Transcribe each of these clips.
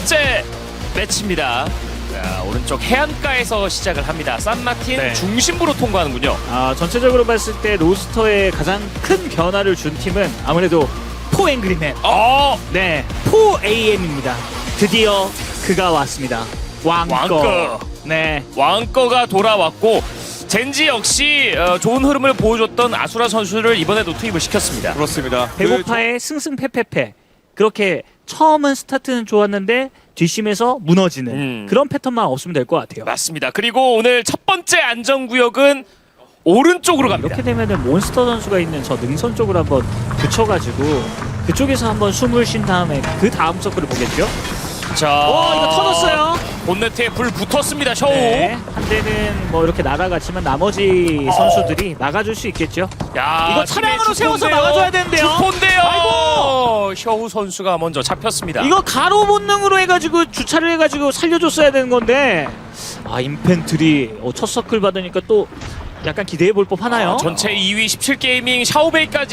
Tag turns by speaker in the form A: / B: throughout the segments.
A: 번째 매치입니다. 자, 오른쪽 해안가에서 시작을 합니다. 산마틴
B: 네.
A: 중심부로 통과하는군요.
B: 전체적으로 봤을 때 로스터에 가장 큰 변화를 준 팀은 아무래도 포앵그리맨. 네, 포AM입니다. 드디어 그가 왔습니다. 왕꺼. 네,
A: 왕꺼가 돌아왔고 젠지 역시 좋은 흐름을 보여줬던 아수라 선수를 이번에도 투입을 시켰습니다.
C: 그렇습니다.
B: 배고파의 승승패패패. 그렇게 처음은 스타트는 좋았는데 뒷심에서 무너지는 그런 패턴만 없으면 될 것 같아요.
A: 맞습니다. 그리고 오늘 첫 번째 안전구역은 오른쪽으로 갑니다.
B: 이렇게 되면은 몬스터 선수가 있는 저 능선 쪽으로 한번 붙여가지고 그쪽에서 한번 숨을 쉰 다음에 그 다음 서클을 보겠죠.
A: 자,
B: 이거 터졌어요.
A: 본네트에 불 붙었습니다. 셔우.
B: 네, 한 대는 뭐 이렇게 날아갔지만 나머지 선수들이 막아줄 수 있겠죠.
A: 야,
B: 이거 차량으로
A: 팀의
B: 세워서
A: 주포인데요.
B: 막아줘야 되는데요.
A: 주포인데요.
B: 아이고.
A: 셔우 선수가 먼저 잡혔습니다.
B: 이거 가로 본능으로 해가지고 주차를 해가지고 살려줬어야 되는 건데 인펜트리 첫 서클 받으니까 또 약간 기대해 볼 법 하나요?
A: 전체 2위 17게이밍 샤오베이까지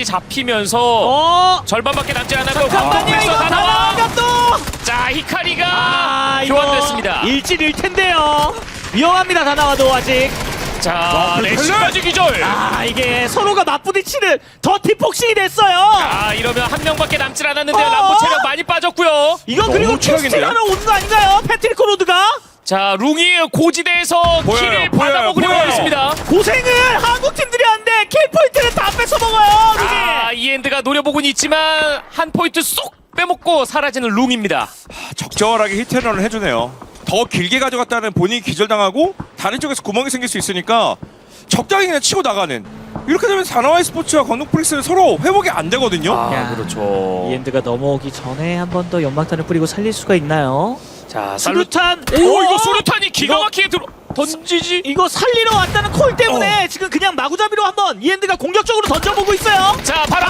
A: 잡히면서 절반밖에 남지 않았고
B: 잠깐만요, 이거 다 나가면 또!
A: 자, 히카리가 교환됐습니다.
B: 일진일 텐데요. 위험합니다, 다 나와도 아직.
A: 자, 레시까지 기절.
B: 이게 서로가 맞부딪히는 더티 폭식이 됐어요.
A: 이러면 한 명밖에 남질 않았는데요. 람보 체력 많이 빠졌고요.
B: 이거 그리고 캐스팅하러 오는 거 아닌가요? 패트리코 로드가?
A: 자, 룽이 고지대에서 킬을 받아먹으려고 하고 있습니다.
B: 고생을 한국 팀들이 하는데 킬 포인트는 다 뺏어 먹어요.
A: 이엔드가 노려보고는 있지만 한 포인트 쏙 빼먹고 사라지는 룽입니다.
C: 적절하게 히트런을 해주네요. 더 길게 가져갔다는 본인이 기절당하고 다른 쪽에서 구멍이 생길 수 있으니까 적당히 그냥 치고 나가는. 이렇게 되면 사나와이 스포츠와 건국프릭스는 서로 회복이 안 되거든요.
A: 그렇죠.
B: 이엔드가 넘어오기 전에 한 번 더 연막탄을 뿌리고 살릴 수가 있나요?
A: 자,
B: 수류탄.
A: 이거 수류탄이 기가 막히게 던지지.
B: 이거 살리러 왔다는 콜 때문에 지금 그냥 마구잡이로 한번 이엔드가 공격적으로 던져보고 있어요.
A: 자, 바로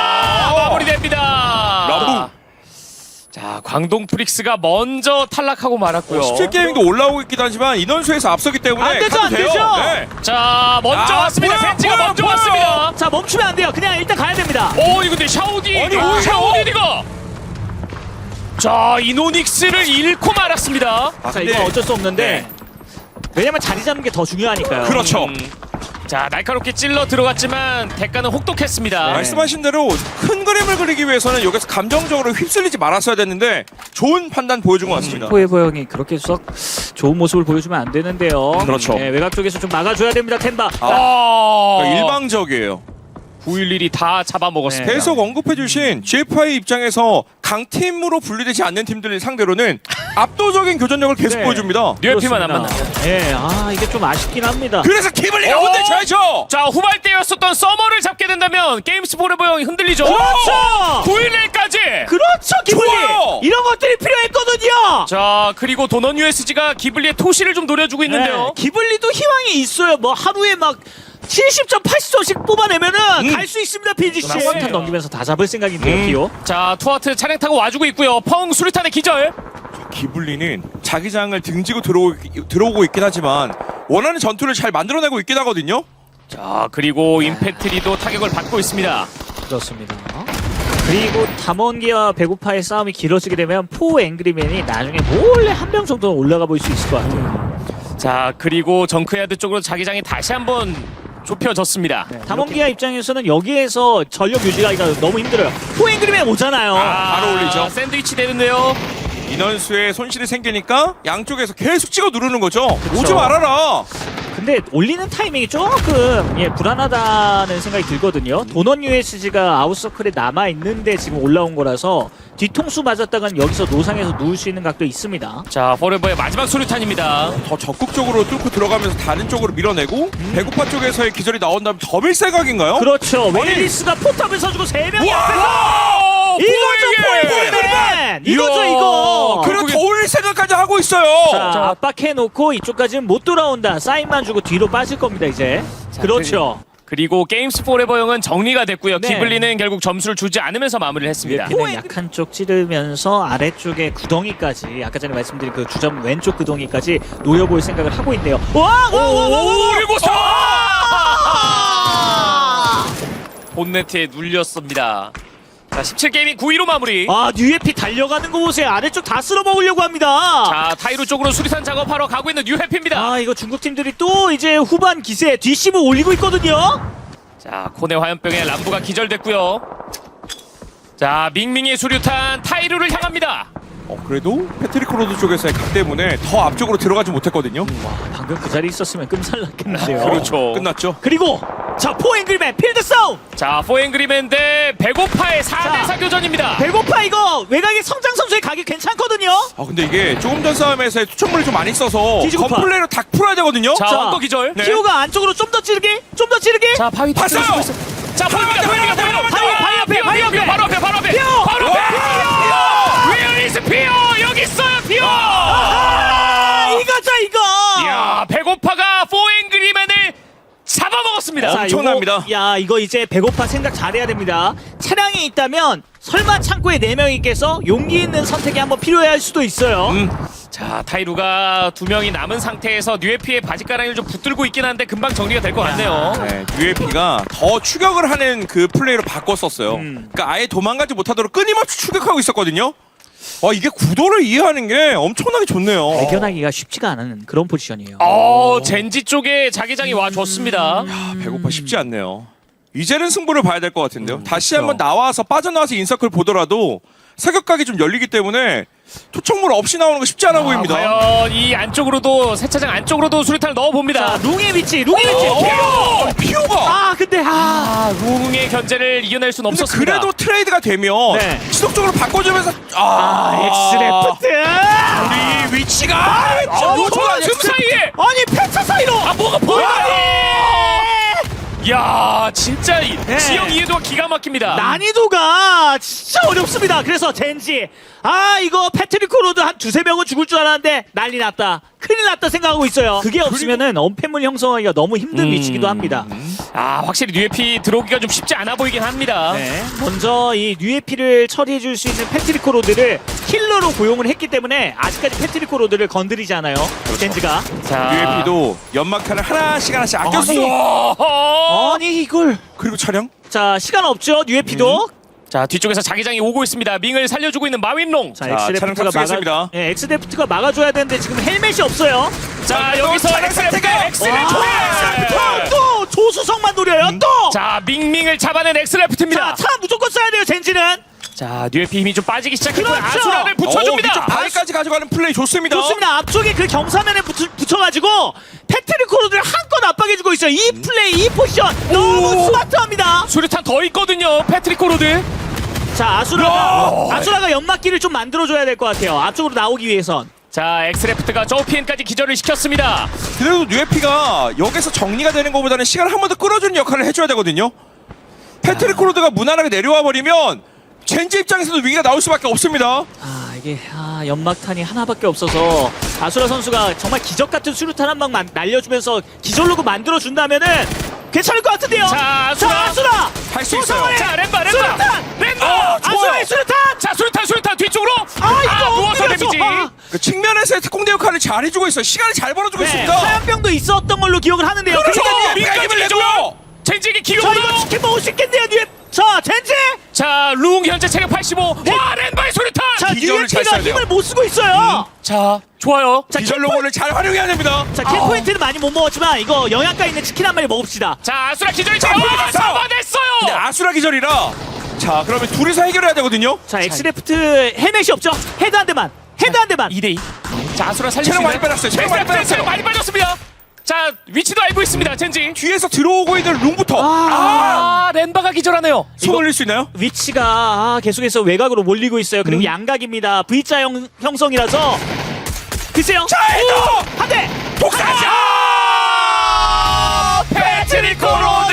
A: 마무리됩니다.
C: 라부.
A: 자, 광동 프릭스가 먼저 탈락하고 말았고요.
C: 17게임도 올라오고 있긴 하지만 인원수에서 앞서기 때문에
B: 안 되죠,
C: 가도
B: 안
C: 돼요.
B: 되죠.
C: 네.
A: 자, 먼저 왔습니다. 젠지가 먼저 왔습니다.
B: 자, 멈추면 안 돼요. 그냥 일단 가야 됩니다.
A: 이거 근데 샤오디.
C: 아니,
A: 샤오디가. 자, 이노닉스를 잃고 말았습니다.
B: 자, 이건 어쩔 수 없는데 왜냐면 자리 잡는 게 더 중요하니까요.
C: 그렇죠.
A: 자, 날카롭게 찔러 들어갔지만 대가는 혹독했습니다.
C: 말씀하신 대로 큰 그림을 그리기 위해서는 여기서 감정적으로 휩쓸리지 말았어야 됐는데 좋은 판단 보여준 것 같습니다.
B: 포에버 형이 그렇게 썩 좋은 모습을 보여주면 안 되는데요.
C: 그렇죠.
B: 네, 외곽 쪽에서 좀 막아줘야 됩니다. 템바.
C: 일방적이에요.
A: 911이 다 잡아먹었습니다.
C: 계속 언급해주신 GFI 입장에서 강팀으로 분리되지 않는 팀들 상대로는 압도적인 교전력을 계속
B: 네.
C: 보여줍니다.
A: 뉴에피만 안 만나.
B: 네, 이게 좀 아쉽긴 합니다.
C: 그래서 기블리가 혼내줘야죠.
A: 자, 후발대였었던 서머를 잡게 된다면 게임스 포레버 형이 흔들리죠.
B: 그렇죠.
A: 911까지.
B: 그렇죠, 기블리.
C: 좋아요.
B: 이런 것들이 필요했거든요.
A: 자, 그리고 도넌 USG가 기블리의 토시를 좀 노려주고 있는데요.
B: 기블리도 희망이 있어요. 뭐 하루에 막 70점, 80점씩 뽑아내면은 갈 수 있습니다, PGC. 한탄 넘기면서 다 잡을 생각인데요, 기호.
A: 자, 투하트 차량 타고 와주고 있고요. 펑 수류탄의 기절.
C: 기블리는 자기장을 등지고 들어오고 있긴 하지만 원하는 전투를 잘 만들어내고 있긴 하거든요.
A: 자, 그리고 임팩트리도 타격을 받고 있습니다.
B: 그렇습니다. 그리고 담원기와 배고파의 싸움이 길어지게 되면 포 앵그리맨이 나중에 몰래 한 명 정도는 올라가 볼 수 있을 것 같아요.
A: 자, 그리고 정크야드 쪽으로 자기장이 다시 한번 좁혀졌습니다.
B: 담원기아 입장에서는 여기에서 전력 유지가 너무 힘들어요. 포 앵그리맨 오잖아요.
C: 바로 올리죠.
A: 샌드위치 되는데요.
C: 인원수에 손실이 생기니까 양쪽에서 계속 찍어 누르는 거죠.
B: 그쵸.
C: 오지 말아라.
B: 근데 올리는 타이밍이 조금 불안하다는 생각이 들거든요. 도넌 USG가 아웃서클에 남아있는데 지금 올라온 거라서 뒤통수 맞았다간 여기서 노상에서 누울 수 있는 각도 있습니다.
A: 자, 포레버의 마지막 수류탄입니다.
C: 더 적극적으로 뚫고 들어가면서 다른 쪽으로 밀어내고 배고파 쪽에서의 기절이 나온다면 더 밀생각인가요?
B: 그렇죠. 웨일리스가 포탑을 서주고 3명이 앞에서
A: 와!
B: 이거죠, 포인트맨! 이거죠, 이거!
C: 그리고 더 올릴 생각까지 하고 있어요.
B: 자, 압박해놓고 이쪽까지는 못 돌아온다. 사인만 주고 뒤로 빠질 겁니다, 이제. 그렇죠.
A: 그리고 게임스 포레버 형은 정리가 됐고요.
B: 네.
A: 기블리는 결국 점수를 주지 않으면서 마무리를 했습니다.
B: 그냥 약한 쪽 찌르면서 아래쪽에 구덩이까지 아까 전에 말씀드린 그 주점 왼쪽 구덩이까지 노려볼 생각을 하고 있네요. 와!
A: 그리고 본네트에 눌렸습니다. 자 17게이밍 9위로 마무리.
B: 아 뉴에피 달려가는 거 보세요. 아래쪽 다 쓸어 먹으려고 합니다.
A: 자 타이루 쪽으로 수리탄 작업하러 가고 있는 뉴해피입니다.
B: 아 이거 중국 팀들이 또 이제 후반 기세 뒷심을 올리고 있거든요.
A: 자 코네 화염병에 람부가 기절됐고요. 자 밍밍의 수류탄 타이루를 향합니다.
C: 그래도 패트릭 로드 쪽에서의 각 때문에 더 앞쪽으로 들어가지 못했거든요.
B: 와 방금 그 자리에 있었으면 끔살났겠는데요.
A: 그렇죠.
C: 끝났죠.
B: 그리고 자 포앵글맨 필드 싸움.
A: 자 포앵그리맨 대 배고파의 4대4 교전입니다.
B: 배고파 이거 외곽에 성장 선수의 각이 괜찮거든요.
C: 근데 이게 조금 전 싸움에서 투척물을 좀 많이 써서
B: 뒤지고
C: 건플레이로 다 풀어야 되거든요.
A: 자
B: 자,
A: 원거 기절.
C: 네.
B: 키오가 안쪽으로 좀 더 찌르게 좀 더 찌르게.
A: 자 바위
C: 봤어요!
A: 자 보입니다.
B: 바위 앞에, 바위 앞에.
A: 바로 앞에 바로 앞에.
B: 피오!
A: 바로 앞에. Where is 피오? 여기 있어요 피오.
B: 이거죠 이거.
A: 이야 배고파가 포앵그리맨을 잡아먹었습니다.
C: 자, 엄청납니다.
B: 야 이거 이제 배고파 생각 잘해야 됩니다. 차량이 있다면 설마 창고에 4명이 있겠어? 용기 있는 선택이 한번 필요할 수도 있어요.
A: 자 타이루가 2명이 남은 상태에서 뉴에피의 바지가랑이를 좀 붙들고 있긴 한데 금방 정리가 될 것 같네요.
C: 네, UAP가 더 추격을 하는 그 플레이로 바꿨었어요. 그러니까 아예 도망가지 못하도록 끊임없이 추격하고 있었거든요. 이게 구도를 이해하는 게 엄청나게 좋네요.
B: 발견하기가 쉽지가 않은 그런 포지션이에요.
A: 젠지 쪽에 자기장이 와줬습니다.
C: 배고파 쉽지 않네요. 이제는 승부를 봐야 될 것 같은데요. 다시 한번 나와서 빠져나와서 인서클 보더라도 사격각이 좀 열리기 때문에 투척물 없이 나오는 거 쉽지 않아 보입니다.
A: 과연 이 안쪽으로도 세차장 안쪽으로도 수류탄을 넣어봅니다.
B: 자 룽의 위치 피오!
C: 피오가!
B: 근데
A: 룽의 견제를 이겨낼 수는
C: 근데
A: 없었습니다.
C: 그래도 트레이드가 되면
B: 네.
C: 지속적으로 바꿔주면서
B: 엑스레프트
C: 우리 위치가
A: 틈 사이에
B: 아니 폐차 사이로
A: 뭐가 보여요? 야 진짜
B: 네.
A: 지형 이해도가 기가 막힙니다.
B: 난이도가 진짜 어렵습니다. 그래서 젠지 이거 패트릭 코로드 한 2-3명은 죽을 줄 알았는데 난리 났다. 큰일 났다 생각하고 있어요. 그게 없으면은 엄폐물 형성하기가 너무 힘든 위치기도 합니다.
A: 확실히 뉴에피 들어오기가 좀 쉽지 않아 보이긴 합니다.
B: 네. 먼저 이 뉴에피를 처리해줄 수 있는 패트릭 코로드를 힐러로 고용을 했기 때문에 아직까지 패트릭 코로드를 건드리지 않아요. 젠지가.
A: 자
C: UAP도 연막탄을 하나씩 아꼈어.
B: 아니 이걸.
C: 그리고 차량?
B: 자 시간 없죠 뉴에피도.
A: 자 뒤쪽에서 자기장이 오고 있습니다. 밍을 살려주고 있는 마윈롱.
B: 자
C: 차량
B: 엑스레프트가
C: 탑승했습니다.
B: 엑스레프트가 막아줘야 되는데 지금 헬멧이 없어요.
A: 자
C: 또
A: 여기서
C: 차량
A: 엑스레프트
C: 선택해요.
B: 또 조수성만 노려요. 또.
A: 자 밍밍을 잡아낸 엑스레프트입니다.
B: 차 무조건 써야 돼요 젠지는.
A: 자 뉴에피 힘이 좀 빠지기 시작했고
B: 그렇죠.
A: 아수라를 붙여줍니다.
C: 위쪽 바위까지 가져가는 플레이 좋습니다.
B: 좋습니다. 앞쪽에 그 경사면에 붙여가지고 패트릭 코로드를 한껏 압박해주고 있어요. 이 플레이, 이 포지션 너무 스마트합니다.
A: 수류탄 더 있거든요. 패트릭 코로드.
B: 자 아수라가 연막기를 좀 만들어줘야 될 것 같아요. 앞쪽으로 나오기 위해선.
A: 자 엑스레프트가 저피엔까지 기절을 시켰습니다.
C: 그래도 뉴에피가 여기서 정리가 되는 것보다는 시간을 한 번 더 끌어주는 역할을 해줘야 되거든요. 패트릭 코로드가 무난하게 내려와 버리면 젠지 입장에서도 위기가 나올 수밖에 없습니다.
B: 이게 연막탄이 하나밖에 없어서 아수라 선수가 정말 기적 같은 수류탄 한 방 날려주면서 기절로그 만들어준다면은 괜찮을 것 같은데요.
A: 자
B: 아수라
C: 할 수 있어요.
A: 자 램바
B: 수류탄!
A: 램바.
B: 아수라의 수류탄.
A: 자 수류탄 뒤쪽으로.
B: 이거
A: 누워서
B: 엎드려서.
A: 데미지.
C: 그 측면에서의 특공대 역할을 잘 해주고 있어요. 시간을 잘 벌어주고 있습니다.
B: 화염병도 있었던 걸로 기억을 하는데요.
C: 그렇죠.
B: 그러니까
C: 민간인을
A: 민간인을
C: 내줘요.
A: 젠지에게
B: 자
A: 기회가.
B: 이거 치킨 먹을 수 있겠네요. 자 젠지.
A: 자룽 현재 체력 85. 와 램바의 수류탄.
B: 자
C: 기절을 잘
B: 뉴에피가
C: 써야 돼요.
B: 힘을 못 쓰고 있어요.
A: 자 좋아요.
B: 자
C: 디젤
B: 킬포인트,
C: 로고를 잘 활용해야 됩니다.
B: 자 킬포인트는 많이 못 먹었지만 이거 영양가 있는 치킨 한 마리 먹읍시다.
A: 자 아수라 기절이
C: 잡아냈어요.
A: 잡아냈어요.
C: 근데 아수라 기절이라 자 그러면 둘이서 해결해야 되거든요.
B: 자 엑스레프트 헬멧이 없죠. 헤드 한 대만. 2대2.
A: 자 아수라 살릴 수
C: 체력 많이
A: 있나요?
C: 빼놨어요. 체력 많이 빼놨어요.
A: 체력 많이 빠졌습니다. 자 위치도 알고 있습니다. 젠지.
C: 뒤에서 들어오고 있는 룸부터
A: 램바가 기절하네요.
C: 손 올릴 수 있나요?
B: 위치가 계속해서 외곽으로 몰리고 있어요. 그리고 양각입니다. V자 형성이라서 글쎄요.
C: 자, 헤더!
B: 한 대.
C: 독사자!
A: 패트릭 코로드.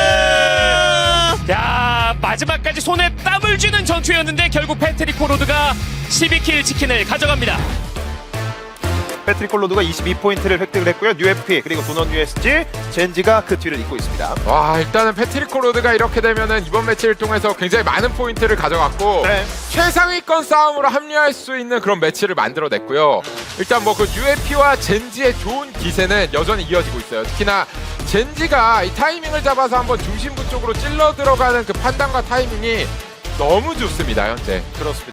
A: 야 마지막까지 손에 땀을 쥐는 전투였는데 결국 패트릭 코로드가 12킬 치킨을 가져갑니다.
D: 패트릭 콜로드가 22포인트를 획득을 했고요. 뉴에피 그리고 도넛 USG 젠지가 그 뒤를 잇고 있습니다.
E: 와 일단은 패트릭 코로드가 이렇게 되면은 이번 매치를 통해서 굉장히 많은 포인트를 가져갔고
D: 네.
E: 최상위권 싸움으로 합류할 수 있는 그런 매치를 만들어냈고요. 일단 뭐 그 UFP와 젠지의 좋은 기세는 여전히 이어지고 있어요. 특히나 젠지가 이 타이밍을 잡아서 한번 중심부 쪽으로 찔러 들어가는 그 판단과 타이밍이 너무 좋습니다 현재.
D: 그렇습니다.